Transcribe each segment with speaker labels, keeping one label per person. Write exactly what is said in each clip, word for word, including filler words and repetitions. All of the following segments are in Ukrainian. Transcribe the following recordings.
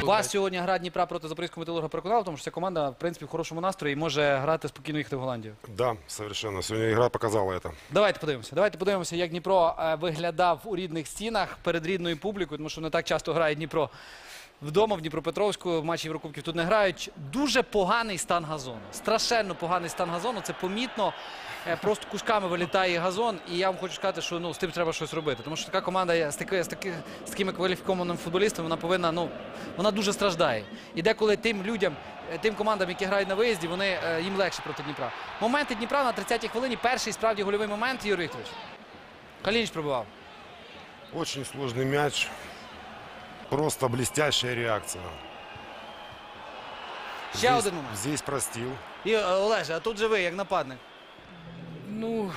Speaker 1: Вас сьогодні гра Дніпра проти Запорізького Металурга переконала, тому що ця команда, в принципі, в хорошому настрої і може грати спокійно їхати в Голландію.
Speaker 2: Да, совершенно. Сегодня игра показала это.
Speaker 1: Давайте подивимося. Давайте подивимося, як Дніпро е, виглядав у рідних стінах перед рідною публікою, тому що не так часто грає Дніпро вдома, в Дніпропетровську, в матчі Єврокубків тут не грають. Дуже поганий стан газону. Страшенно поганий стан газону, це помітно. Е, Просто кусками вилітає газон, і я вам хочу сказати, що ну, з тим треба щось робити. Тому що така команда з, таки, з, таки, з такими кваліфікованими футболістами, вона повинна, ну, вона дуже страждає. І деколи тим людям, тим командам, які грають на виїзді, вони, їм легше проти Дніпра. Моменти Дніпра на тридцятій хвилині, перший справді гольовий момент, Ігор Вікторович. Калініч пробивав.
Speaker 2: Очень сложный мяч. Просто блестящая реакция.
Speaker 1: Ще
Speaker 2: Здесь,
Speaker 1: один момент.
Speaker 2: здесь простил.
Speaker 1: І, Олеже, а тут же ви, як нападник.
Speaker 3: Ну,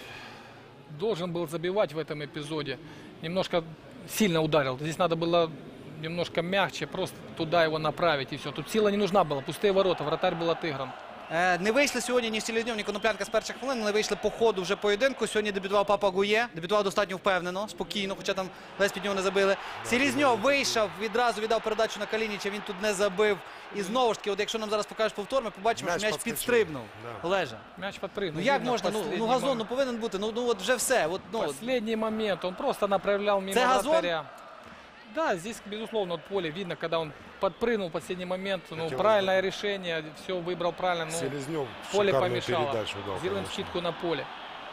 Speaker 3: должен был забивать в этом эпизоде. Немножко сильно ударил. Здесь надо было немножко мягче, просто туда его направить и все. Тут сила не нужна была, пустые ворота, вратарь был отыгран.
Speaker 1: Е, Не вийшли сьогодні ні Селезньов, ні Коноплянка з перших хвилин, не вийшли по ходу вже поєдинку. Сьогодні дебютував Папа Гує, дебютував достатньо впевнено, спокійно, хоча там десь під нього не забили. Селезньов вийшов, відразу віддав передачу на Калініча, він тут не забив. І знову ж таки, от якщо нам зараз покажеш повтор, ми побачимо,
Speaker 2: М'яч
Speaker 1: що м'яч
Speaker 2: підскочив.
Speaker 1: підстрибнув.
Speaker 2: Да.
Speaker 1: Олеже,
Speaker 3: Мяч подпрыгнул.
Speaker 1: ну як
Speaker 3: Видно,
Speaker 1: можна, ну,
Speaker 3: последний
Speaker 1: ну газон ну,
Speaker 3: момент.
Speaker 1: повинен бути, ну, ну от вже все. От, ну, от.
Speaker 3: Последний момент, он просто направлял мимо
Speaker 1: Это газон?
Speaker 3: вратаря. Да, здесь, безусловно, от поле видно, когда он подпрыгнул в последний момент. Ну,
Speaker 2: Хотел
Speaker 3: правильное решение, все выбрал правильно. Ну,
Speaker 2: Селезнев
Speaker 3: поле
Speaker 2: шикарную
Speaker 3: помешало.
Speaker 2: передачу дал.
Speaker 3: Сделаем
Speaker 2: конечно.
Speaker 3: скидку на поле.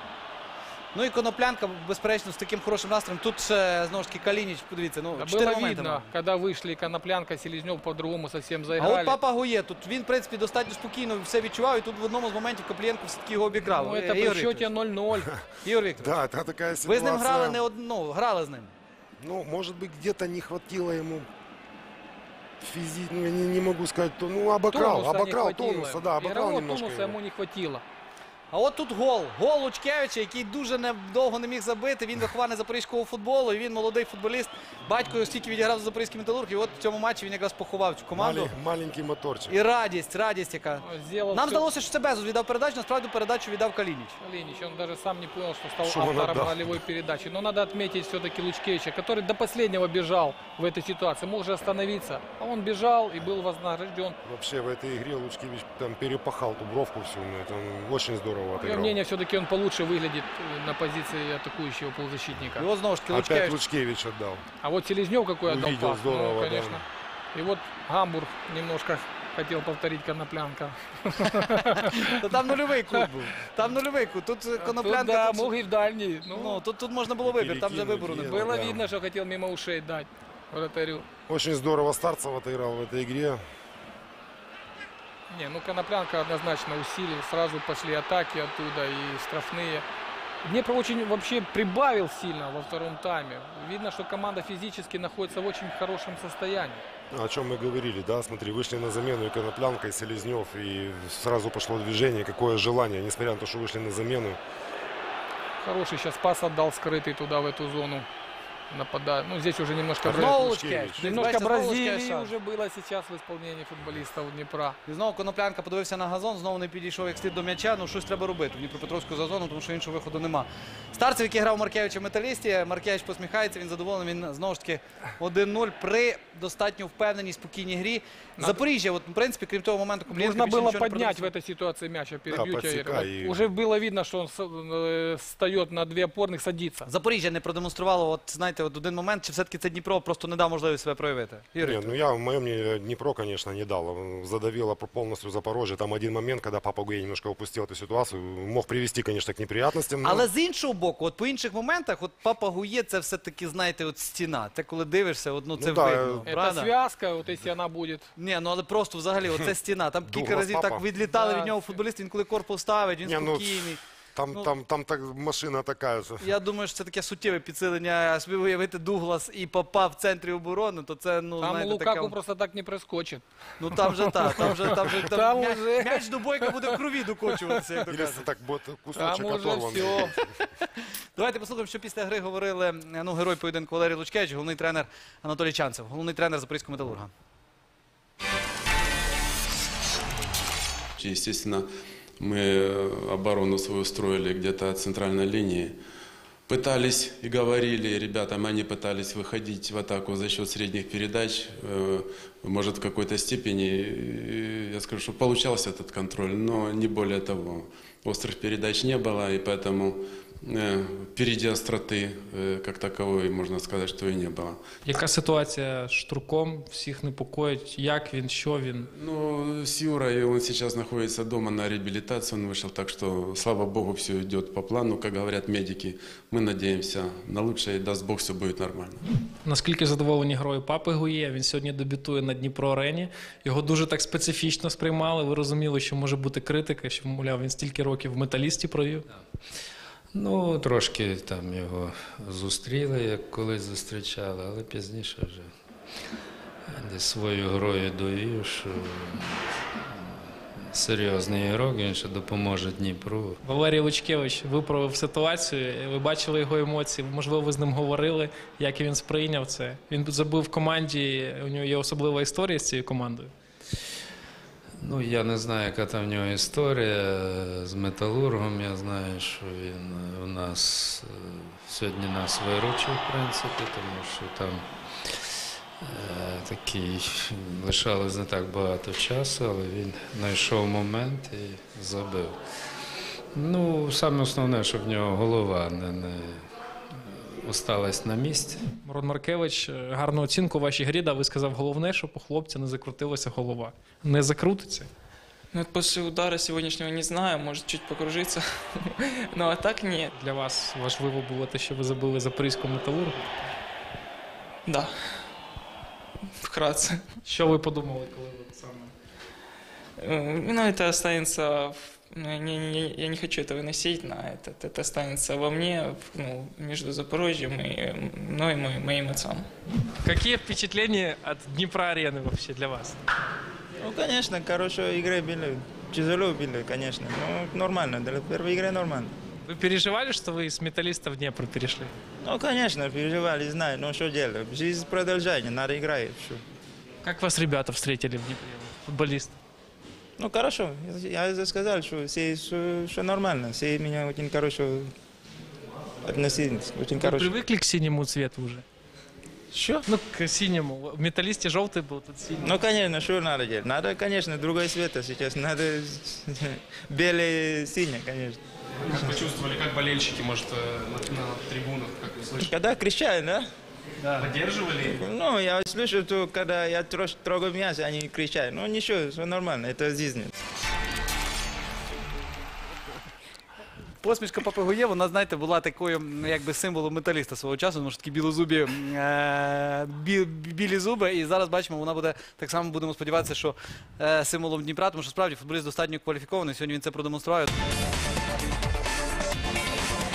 Speaker 1: Ну і Коноплянка, безперечно, з таким хорошим настроєм. Тут ще, знову ж таки, Калініч, подивіться, ну,
Speaker 3: Да
Speaker 1: чотири
Speaker 3: было
Speaker 1: моменти
Speaker 3: видно,
Speaker 1: мав.
Speaker 3: когда вышли Коноплянка, Селезнев по-другому совсем
Speaker 1: А
Speaker 3: заиграли.
Speaker 1: от Папа Гує, тут він, в принципі, достатньо спокійно все відчував, і тут в одному з моментів Коплієнко все-таки його обікрав.
Speaker 3: Ну,
Speaker 1: Е,
Speaker 3: это при
Speaker 1: Ігор
Speaker 3: счете
Speaker 1: Вікторович.
Speaker 3: ноль-ноль.
Speaker 1: Ігор Вікторович,
Speaker 2: Да, это такая
Speaker 1: ви
Speaker 2: ситуация.
Speaker 1: з ним грали не одну, ну, грали з ним.
Speaker 2: Ну, может быть, где-то не хватило ему физи... Ну, я не, не могу сказать, то, ну, обокрал,
Speaker 3: Тонуса не
Speaker 2: обокрал
Speaker 3: хватило.
Speaker 2: тонуса, да, обокрал
Speaker 3: Игрового
Speaker 2: немножко
Speaker 3: тонуса
Speaker 2: его.
Speaker 3: ему не хватило.
Speaker 1: А от тут гол. Гол Лучкевича, який дуже недовго не міг забити. Він вихований запорізького футболу, і він молодий футболіст. Батько його стільки відіграв за запорізький Металург, і от в цьому матчі він якраз поховав цю команду.
Speaker 2: Мали- маленький моторчик.
Speaker 1: І радість, радість яка.
Speaker 3: Сделал
Speaker 1: Нам
Speaker 3: всё.
Speaker 1: здалося, що це Безус віддав передачу, насправді передачу віддав Калініч.
Speaker 3: Калинич, он даже сам не понял, что стал
Speaker 2: Что он
Speaker 3: автором
Speaker 2: отдал.
Speaker 3: ролевой передачи. Но надо отметить все-таки Лучкевича, который до последнего бежал в этой ситуации. Мог же остановиться. А он бежал и был вознагражден.
Speaker 2: Вообще в этой игре Лучкевич там перепахал ту бровку всю. ну, Это он очень здорово
Speaker 3: Мое
Speaker 2: отыграл.
Speaker 3: мнение, все-таки он получше выглядит э, на позиции атакующего полузащитника.
Speaker 1: І от знову ж таки
Speaker 2: Опять
Speaker 1: Лучкевич.
Speaker 2: Лучкевич отдал.
Speaker 3: А вот Селезнев какой отдал
Speaker 2: Увидел,
Speaker 3: пас.
Speaker 2: здорово,
Speaker 3: Ну,
Speaker 2: да.
Speaker 3: конечно. И вот Гамбург немножко хотел повторить Коноплянка.
Speaker 1: Та там нульовий кут був. Там нульовий кут. Тут
Speaker 3: Тут,
Speaker 1: Коноплянка.
Speaker 3: да,
Speaker 1: тут-
Speaker 3: мог и в дальний. Ну,
Speaker 1: Ну, тут, тут можна було вибір, там вже
Speaker 2: Перекинуть,
Speaker 1: вибору не
Speaker 2: є.
Speaker 1: було.
Speaker 3: было
Speaker 2: да.
Speaker 3: видно, что хотел мимо ушей дать вратарю.
Speaker 2: Очень здорово Старцев отыграл в этой игре.
Speaker 3: Не, ну Коноплянка однозначно усилил, сразу пошли атаки оттуда и штрафные. Днепр очень вообще прибавил сильно во втором тайме. Видно, что команда физически находится в очень хорошем состоянии.
Speaker 2: О чем мы говорили, да, смотри, вышли на замену и Коноплянка, и Селезнев, и сразу пошло движение, какое желание, несмотря на то, что вышли на замену.
Speaker 3: Хороший сейчас пас отдал скрытый туда, в эту зону. Нападает. Ну, здесь уже немножко...
Speaker 2: Знову
Speaker 3: Бра-
Speaker 1: Знову
Speaker 2: Лучкевич.
Speaker 1: Лучкевич.
Speaker 3: Немножко
Speaker 1: Бачите, знову
Speaker 3: Бразилии
Speaker 1: Лучкевич.
Speaker 3: уже было сейчас в исполнении футболистов Днепра.
Speaker 1: І знову Коноплянка подивився на газон, знову не підійшов як слід до м'яча. Ну щось треба робити в Дніпропетровську за зону, тому що іншого виходу нема. Старцев, який грав Маркевича в Металісті, Маркевич посміхається, він задоволений, він знову ж таки один нуль при достатньо впевненій, спокійній грі.
Speaker 3: Надо-
Speaker 1: Запоріжжя, от, в принципі, крім того моменту, Куплєнко
Speaker 3: Нужно
Speaker 1: більше
Speaker 3: было
Speaker 1: нічого не
Speaker 3: поднять в
Speaker 1: продемонстрував.
Speaker 3: этой ситуации мяч, я перебью
Speaker 2: Да,
Speaker 3: тебя, Игорь.
Speaker 2: подсекай
Speaker 3: Вот
Speaker 2: и-
Speaker 3: уже было видно, что он с- э, встает на две опорных, садится.
Speaker 1: Запоріжжя не продемонструвало, от, знаєте, от один момент, чи все-таки це Дніпро просто не дав можливість себе проявити. Ігор
Speaker 2: Не,
Speaker 1: Вікторович.
Speaker 2: ну я, в моем мнении, Днепро, конечно, не дал. Задавило полностью Запорожье. Там один момент, когда Папа Гуе немножко упустил эту ситуацию. Мог привести, конечно, к неприятностям. но-
Speaker 1: Але з іншого боку, от по інших моментах, от Папа Гує це все-таки, знаєте, от стіна. Це коли дивишся, от, ну, це
Speaker 2: Ну, да,
Speaker 1: видно.
Speaker 3: Это
Speaker 1: правда?
Speaker 3: связка, вот если она будет.
Speaker 1: Ні, ну але просто взагалі, оце стіна. Там кілька
Speaker 2: Дуглас
Speaker 1: разів
Speaker 2: Папа.
Speaker 1: так відлітали
Speaker 3: Да.
Speaker 1: від нього футболісти, він коли корпус ставить, він
Speaker 2: Не, ну,
Speaker 1: спокійний.
Speaker 2: Там,
Speaker 1: ну-
Speaker 2: там, там так машина такая же.
Speaker 1: Я думаю, що це таке суттєве підсилення. А собі уявити Дуглас і Папа в центрі оборони, то це, ну,
Speaker 3: Там
Speaker 1: знаєте,
Speaker 3: Лукаку
Speaker 1: така...
Speaker 3: просто так не проскочит.
Speaker 1: Ну там же так, там же, там же, там,
Speaker 3: Там
Speaker 1: м'я-
Speaker 3: уже-
Speaker 1: м'яч до бойка буде в крові докочуватися, як то
Speaker 2: Или
Speaker 1: кажуть.
Speaker 2: так вот кусочек
Speaker 3: Там уже
Speaker 2: оторван.
Speaker 3: все.
Speaker 1: Давайте послухаємо, що після гри говорили, ну, герой поєдинку Валерій Лучкевич, головний тренер Анатолій Чанцев, головний тренер Запорізького Металурга.
Speaker 4: Естественно, мы оборону свою строили где-то от центральной линии. пытались и говорили ребятам, они пытались выходить в атаку за счет средних передач. Э, Может, в какой-то степени, э, я скажу, что получался этот контроль, но не более того. Острых передач не было, и поэтому э, впереди остроты э, как таковой, можна сказати, що і не було.
Speaker 5: Яка ситуація з Штурком? Всіх непокоїть? Як він? Що він?
Speaker 4: Ну, с Юрой, он сейчас находится дома на реабилитации, он вышел, так что, слава богу, все идет по плану, как говорят медики. Мы надеемся на лучшее, и даст Бог, все будет нормально.
Speaker 5: Наскільки задоволені грою Папи Гує? Він сьогодні дебютує на Дніпро-арені. Його дуже так специфічно сприймали. Ви розуміли, що може бути критика, що, мовляв, він стільки років в Металісті провів?
Speaker 6: Ну, трошки там його зустріли, як колись зустрічали, але пізніше вже десь свою грою довів, що серйозний ігрок, він ще допоможе Дніпру.
Speaker 5: Валерій Лучкевич виправив ситуацію. Ви бачили його емоції, можливо, ви з ним говорили, як він сприйняв це. Він забив в команді, у нього є особлива історія з цією командою.
Speaker 6: Ну, я не знаю, яка там в нього історія з Металургом. Я знаю, що він у нас е, сьогодні нас виручив, в принципі, тому що там е, такий лишалось не так багато часу, але він знайшов момент і забив. Ну, саме основне, щоб в нього голова не, не осталась на місці.
Speaker 5: Мирон Маркевич гарну оцінку вашій грі дав. Ви сказав, головне, щоб у хлопця не закрутилася голова. Не закрутиться?
Speaker 7: Ну, вот после удара сегодняшнего не знаю, может чуть покружиться, но а так нет.
Speaker 5: Для вас важливо було те, що ви забили Запорізьку Металургу.
Speaker 7: Да, вкратце.
Speaker 5: Що ви подумали, коли ви саме?
Speaker 7: Э, Ну, это останется, в- ну, я не, не- я не хочу это выносить на этот, это останется во мне, в- ну, между Запорожьем и мной, и моим, моим отцом.
Speaker 5: Які впечатлення від Дніпра-арени вообще для вас?
Speaker 8: Ну, конечно, хорошие игры были. Тяжело было, конечно. Но нормально. Для первой игры нормально.
Speaker 5: Вы переживали, что вы из Металлиста в Днепр перешли?
Speaker 8: Ну, конечно, переживали, знаю. Но что делать? Жизнь продолжается, надо играть. Что?
Speaker 5: Как вас ребята встретили в Днепре, футболисты?
Speaker 8: Ну, хорошо. Я я сказал, что все, что, что нормально. Все меня очень хорошо относились. Очень
Speaker 5: Вы
Speaker 8: хорошо.
Speaker 5: привыкли к синему цвету уже?
Speaker 8: Что?
Speaker 5: Ну, к синему. В Металлисте желтый был, тут синий.
Speaker 8: Ну, конечно, что надо делать? Надо, конечно, другой цвет сейчас. Надо белый, синий, конечно.
Speaker 9: Как почувствовали, как болельщики, может, э, на, на трибунах, как вы слышите?
Speaker 8: Когда кричали, да?
Speaker 9: Поддерживали?
Speaker 8: Ну, я слышу, что когда я трош- трогаю мясо, они кричат. Ну, ничего, все нормально, это жизнь.
Speaker 1: Посмішка Папи Гує, вона, знаєте, була такою, ну, якби символом металіста свого часу, тому що такі білозубі, е, бі, білі зуби. І зараз бачимо, вона буде так само, будемо сподіватися, що е, символом Дніпра, тому що справді футболіст достатньо кваліфікований. Сьогодні він це продемонстрував.